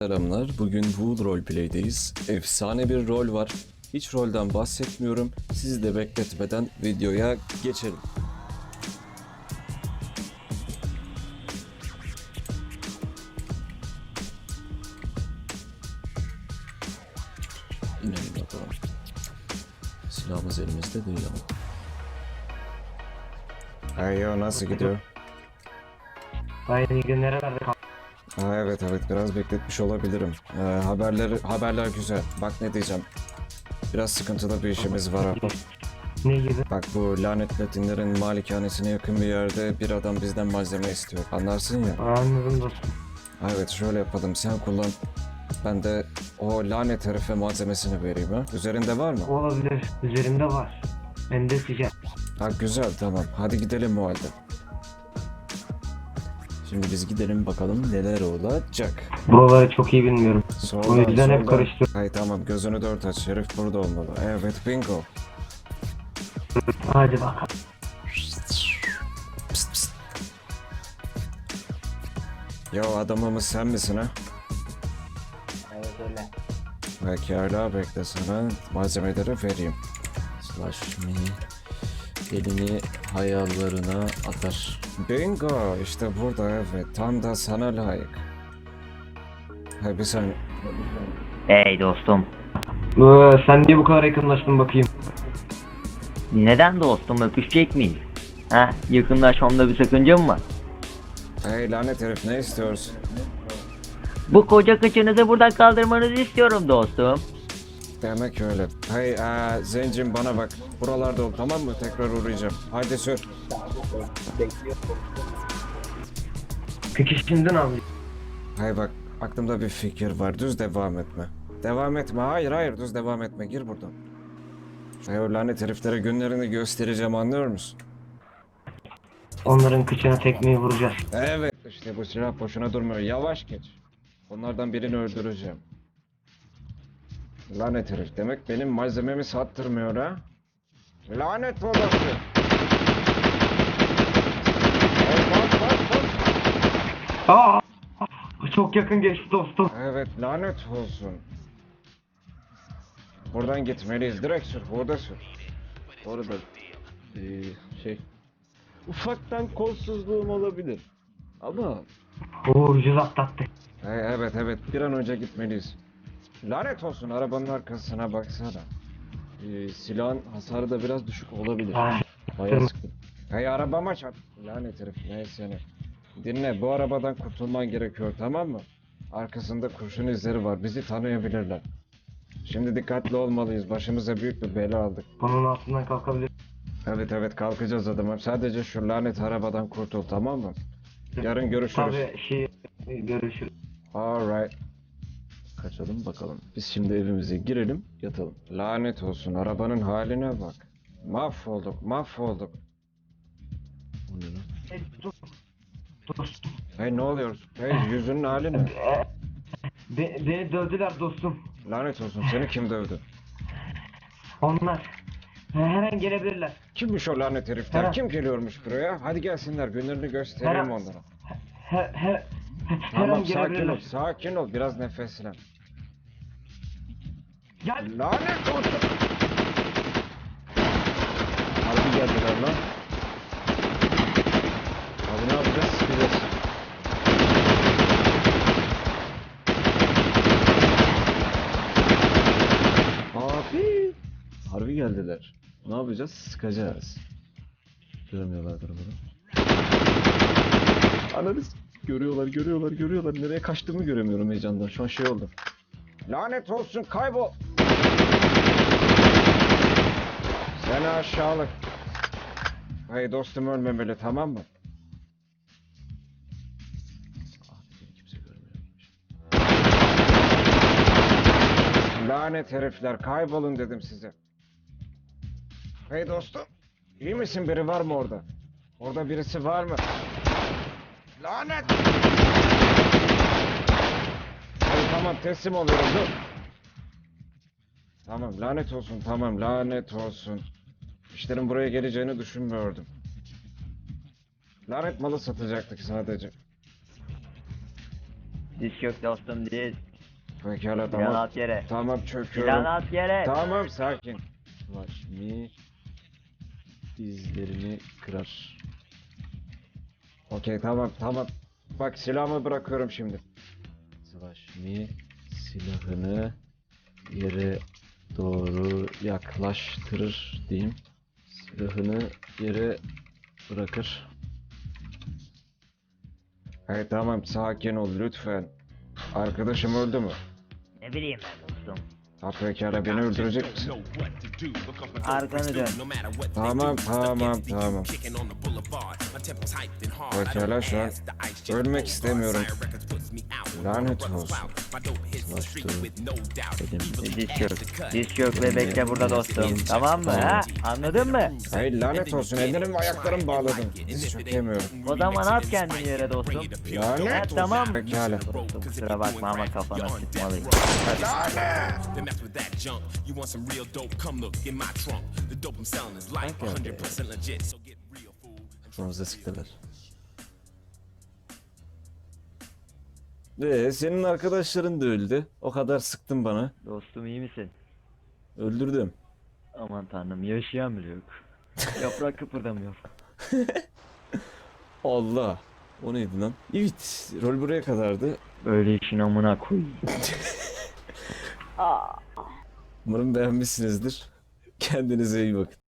Selamlar. Bugün Wood Roleplay'deyiz. Efsane bir rol var. Hiç rolden bahsetmiyorum. Sizi de bekletmeden videoya geçelim. İnelim bakalım. Silahımız elimizde değil ama. Ayo, nasıl gidiyor? Aynı gün nerelerde kaldı? Evet biraz bekletmiş olabilirim. Haberler güzel. Bak ne diyeceğim. Biraz sıkıntılı bir işimiz var ha. Ne gibi? Bak bu lanet Latinlerin malikanesine yakın bir yerde bir adam bizden malzeme istiyor. Anlarsın ya. Anladım dostum. Evet şöyle yapalım, sen kullan. Ben de o lanet herife malzemesini vereyim ha. Üzerinde var mı? Olabilir. Üzerimde var. Ben de sıcak. Ha güzel, tamam. Hadi gidelim o halde. Şimdi biz gidelim bakalım neler olacak. Buraları çok iyi bilmiyorum. Soldan, O yüzden hep soldan. karıştırıyorum. Hay tamam, gözünü dört aç. Herif burada olmalı. Evet, bingo. Hadi bakalım. Pst pst. Yo, adamımız sen misin ha? Evet öyle. Pekala, bekle, sana malzemeleri vereyim. Slash me elini hayallarına atar. Bingo, işte burada, evet. Tam da sana layık. Hay bir saniye. Hey dostum. Sen niye bu kadar yakınlaştın bakayım? Neden dostum, öpüşecek miyiz? Ha, yakınlaşmamda bir sakınca mı var? Hey lanet herif, ne istiyorsun? Bu koca kıçınızı buradan kaldırmanızı istiyorum dostum. Demek öyle. Hey zencim, bana bak. Buralarda ol, tamam mı? Tekrar uğrayacağım. Haydi sür. Peki şimdi ne yapayım? Hay bak, aklımda bir fikir var. Düz devam etme. Devam etme. Hayır, düz devam etme. Gir buradan. Hey, o lanet heriflere günlerini göstereceğim, anlıyor musun? Onların kıçına tekmeyi vuracağız. Evet, işte bu silah boşuna durmuyor. Yavaş geç. Onlardan birini öldüreceğim. Lanet herif, demek benim malzememi sattırmıyor ha? Lanet olası! Hey, bak. Aa! Çok yakın geçti dostum. Evet, lanet olsun. Buradan gitmeliyiz. Direkt sür, burada sür. Bu arada ufaktan kolsuzluğum olabilir. Ama Ucuz atlattık. Evet, bir an önce gitmeliyiz. Lanet olsun, arabanın arkasına baksana. silahın hasarı da biraz düşük olabilir. Ay, Bayağı sıkın. Hey, arabama çarp. Lanet herif, neyse ne. Dinle, bu arabadan kurtulman gerekiyor, tamam mı? Arkasında kurşun izleri var, bizi tanıyabilirler. Şimdi dikkatli olmalıyız, başımıza büyük bir bela aldık. bunun altından kalkabilir. Evet, kalkacağız adamım. Sadece şu lanet arabadan kurtul, tamam mı? Yarın görüşürüz. Tabii görüşürüz. Alright. Kaçalım bakalım. Biz şimdi evimize girelim, yatalım. Lanet olsun, arabanın haline bak. Mahvolduk. O ne lan? Hey, dostum. Hey, ne oluyor? Hey, yüzünün hali ne? Beni dövdüler dostum. Lanet olsun, seni kim dövdü? Onlar. Her an gelebilirler. Kimmiş o lanet herifler? Her- Kim geliyormuş buraya? Hadi gelsinler, günlerini göstereyim Her- onlara. Her Tamam, an gelebilirler. sakin ol, biraz nefeslen. Gel. Lanet olsun! Harbi geldiler lan. Abi ne yapacağız? Sıkacağız. Abi! Harbi geldiler. Ne yapacağız? Sıkacağız. Görmüyorlardır bunu. Ananı görüyorlar. Nereye kaçtığımı göremiyorum heyecandan. Şu an şey oldu. Lanet olsun, kaybol! Seni aşağılık. Hey dostum, ölmemeli, tamam mı? Beni kimse görmüyormuş. Lanet herifler, kaybolun dedim size. Hey dostum, iyi misin? Biri var mı orada? Orada birisi var mı? Lanet! Hey, tamam, teslim oluyorum, dur. Tamam, lanet olsun. İşlerin buraya geleceğini düşünmüyordum. Lanet malı satacaktık sadece. Diz yok dostum, diz. Pekala Silahını tamam. at yere. Tamam Silahını çöküyorum. at yere. Tamam sakin. Slash me dizlerini kırar. Okey tamam. Bak silahımı bırakıyorum şimdi. Slash me silahını yere doğru yaklaştırır diyeyim. Silahını yere bırakır. Hey tamam sakin ol lütfen. Arkadaşım öldü mü? Ne bileyim ben dostum. Ha pekala beni öldürecek misin? Arkanı dön. Tamam. Pekala şu an ölmek istemiyorum. Lanet olsun. Slash to dedim. Diz çök ve bekle burada dostum. Tamam mı ha? Anladın mı? Hey lanet olsun ellerim ve ayaklarım bağladım. Hiç çökemiyorum. O zaman at kendini yere dostum. Ha, Lanet olsun. tamam. Pekala. Dostum kusura bakma ama kafana sıkmalıyım. Then mess with that junk. You want some real dope? Come look in my trunk. The dope I'm selling is life, 100% legit. So get real, fool. Kafamıza sıktılar. Senin arkadaşların da öldü. O kadar sıktın bana. Dostum iyi misin? Öldürdüm. Aman tanrım yaşayan bile yok. Yaprak kıpırdamıyor. Allah. O neydi lan? Evet. Rol buraya kadardı. Böyle işin amına koyayım. Umarım beğenmişsinizdir. Kendinize iyi bakın.